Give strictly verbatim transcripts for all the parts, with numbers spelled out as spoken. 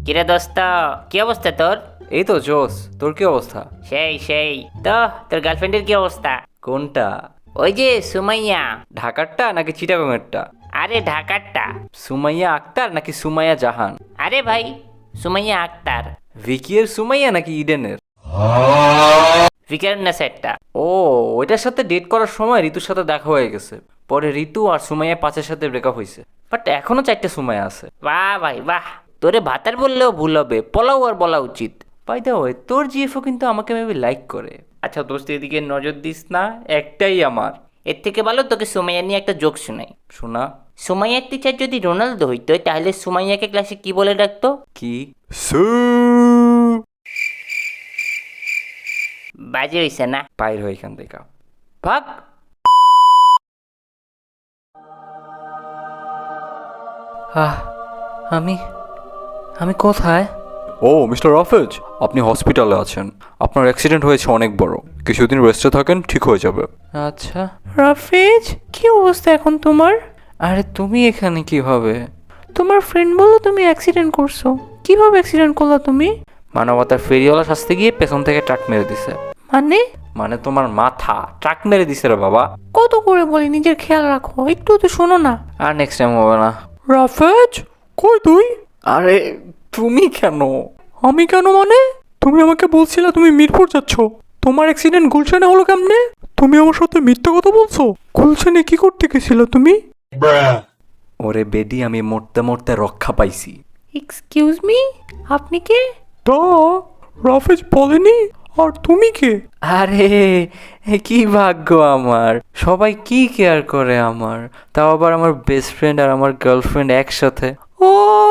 কিরে দোস্ত, কি অবস্থা তোর? এই তো জোস। তোর কি অবস্থা? সেই সেই তো। তোর গার্লফ্রেন্ডের কি অবস্থা? কোনটা? ওই যে সুমাইয়া। ঢাকারটা নাকি চিটাগাংয়েরটা? আরে ঢাকারটা। সুমাইয়া আক্তার নাকি সুমাইয়া জাহান? আরে ভাই, সুমাইয়া আক্তার। ভিকিয়ের সুমাইয়া নাকি ইডেনের? ফিকার সেটটা। ও, ওইটার সাথে ডেট করার সময় ঋতুর সাথে দেখা হয়ে গেছে। পরে ঋতু আর সুমাইয়া পাঁচের সাথে ব্রেকআপ হয়েছে। বাট এখনো চারটে সুমাইয়া আছে। বাহ ভাই বাহ, তোরে ভাতার বললেও ভুল হবে, পোলাও আর বলা উচিত। বাই দ্য ওয়ে, তোর জিএফও কিন্তু আমাকে মেবি লাইক করে। আচ্ছা দোস্ত, এদিকে নজর দিস না, একটাই আমার। এর থেকে ভালো তোকে সুমাইয়া নিয়ে একটা জোক শোনাই। শোনা। সুমাইয়ার টিচার যদি রোনালদো হইতো, তাহলে সুমাইয়াকে ক্লাসে কি বলে ডাকতো? কি? বাজে হইছে না? বাইর হয় এখান থেকে, ভাগ। আহ, আমি আমি কোথায়? ও মিস্টার রাফেজ, আপনি হসপিটালে আছেন। আপনার অ্যাক্সিডেন্ট হয়েছে অনেক বড়। কিছুদিন রেস্টে থাকেন, ঠিক হয়ে যাবে। আচ্ছা রাফেজ, কি অবস্থা এখন তোমার? আরে তুমি এখানে কিভাবে? তোমার ফ্রেন্ড বলো তুমি অ্যাক্সিডেন্ট করছো। কিভাবে অ্যাক্সিডেন্ট করলা তুমি? মানবতার ফেরিওয়ালা শাস্তে গিয়ে পেছন থেকে ট্রাক মেরে দিছে। মানে? মানে তোমার মাথা ট্রাক মেরে দিছে রে বাবা। কত করে বলি নিজের খেয়াল রাখো, একটু তো শোনো না। আর নেক্সট টাইম হবে না। রাফেজ, কই তুই? আরে তুমি কেন? আমি কেন মানে? তুমি আমাকে বলছিলে তুমি মিরপুর যাচ্ছ। তোমার অ্যাক্সিডেন্ট গুলশানে হলো কেমনে? তুমি আমার সাথে মিথ্যে কথা বলছো। গুলশানে কি করতে গেছিলে তুমি? ওরে বেডি, আমি মরতে মরতে রক্ষা পাইছি। এক্সকিউজ মি, আপনি কে? তা রাফেজ বলেনি? আর তুমি কে? আরে কি ভাগ্য আমার, সবাই কি কেয়ার করে আমার, তাও আবার আমার বেস্ট ফ্রেন্ড আর আমার গার্লফ্রেন্ড একসাথে। ও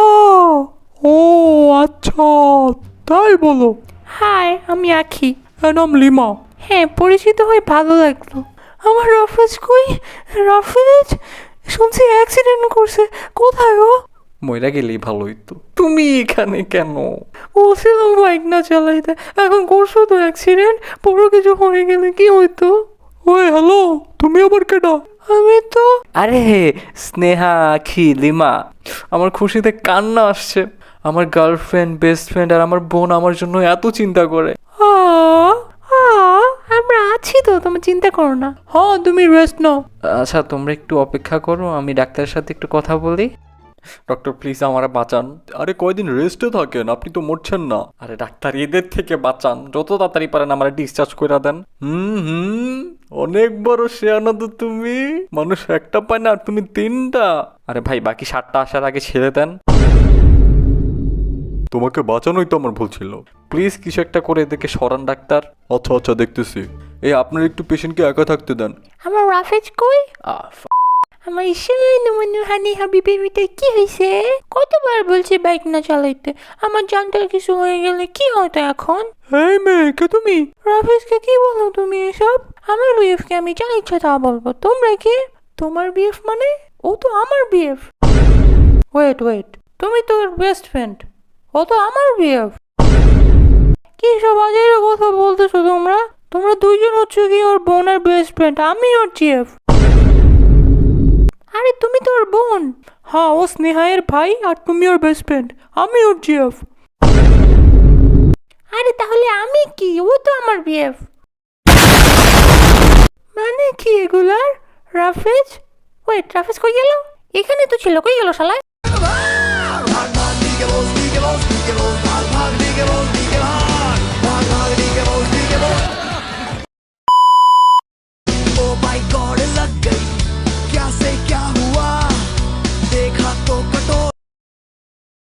ও আচ্ছা, তাই বলো। হাই, আমি আখি। এর নাম লিমা। হ্যাঁ, পরিচিত হয়ে ভালো লাগলো। আমার রাফেজ কই? রাফেজ শুনছি অ্যাক্সিডেন্ট করছে, কোথায় ও? মইরা গেলেই ভালো হইতো। তুমি এখানে কেন? বলছিলাম বাইক না চালাইতে, এখন করছো তো অ্যাক্সিডেন্ট, বড় কিছু হয়ে গেলে কি হইতো? ওই হ্যালো, তুমি আবার কেডা? আমি তো আরে স্নেহা, আখি, লিমা, আমার খুশিতে কান্না আসছে। আমার গার্লফ্রেন্ড, বেস্ট ফ্রেন্ড আর আমার বোন আমার জন্য এত চিন্তা করে। আ আ আমরা আছি তো, তুমি চিন্তা করো না। হ্যাঁ, তুমি রেস্ট নাও। আচ্ছা তোমরা একটু অপেক্ষা করো, আমি ডাক্তারের সাথে একটু কথা বলি। ডক্টর প্লিজ আমারে বাঁচান। আরে কয়দিন রেস্টে থাকেন, আপনি তো মরছেন না। আরে ডাক্তার, এদের থেকে বাঁচান, যত তাড়াতাড়ি পারেন আমার ডিসচার্জ করে দেন। হুম হুম অনেক বড় শেয়ানা তো তুমি। মানুষ একটা পায় না আর তুমি তিনটা। আরে ভাই, বাকি সাতটা আসার আগে ছেড়ে দেন তোমাকে বাঁচানোই তো আমার ভুল ছিল। প্লিজ। কিছু একটা করে এদেরকে সরান ডাক্তার। আচ্ছা আচ্ছা, দেখতেছি। এই আপনার একটু পেশেন্টকে একা থাকতে দেন। আমার রাফেজ কই? আহ, আমার সোনু মনু হানি হাবিবে বিটা কি হয়েছে? কতবার বলছি বাইক না চালাইতে, আমার জানটার কিছু হয়ে গেলে কি হতো এখন? এই মেয়ে, কে তুমি? রাফেজকে কি বলো তুমি এসব? আমার বিএফকে আমি যা ইচ্ছা তা বলবো, তোমরা কি? তোমার বিএফ মানে? ও তো আমার বিএফ। ওয়েট ওয়েট, তুমি তো ওর বেস্ট ফ্রেন্ড, ও তো আমার বিএফ। কি সব আজের কথা বলতেছো তোমরা? তোমরা দুইজন হচ্ছে কি ওর বোনের বেস্ট ফ্রেন্ড, আমি ওর জিএফ। আরে তুমি তো ওর বোন। হ্যাঁ, ও স্নেহায়ের ভাই আর তুমি ওর বেস্ট ফ্রেন্ড। আমি ওর জিএফ। আরে তাহলে আমি কি? ও তো আমার বিএফ। মানে কি এগুলার? রাফেজ, ওয়েট, রাফেজ কই গেল? এখানে তো ছিল, কই গেল শালা? Oh my God.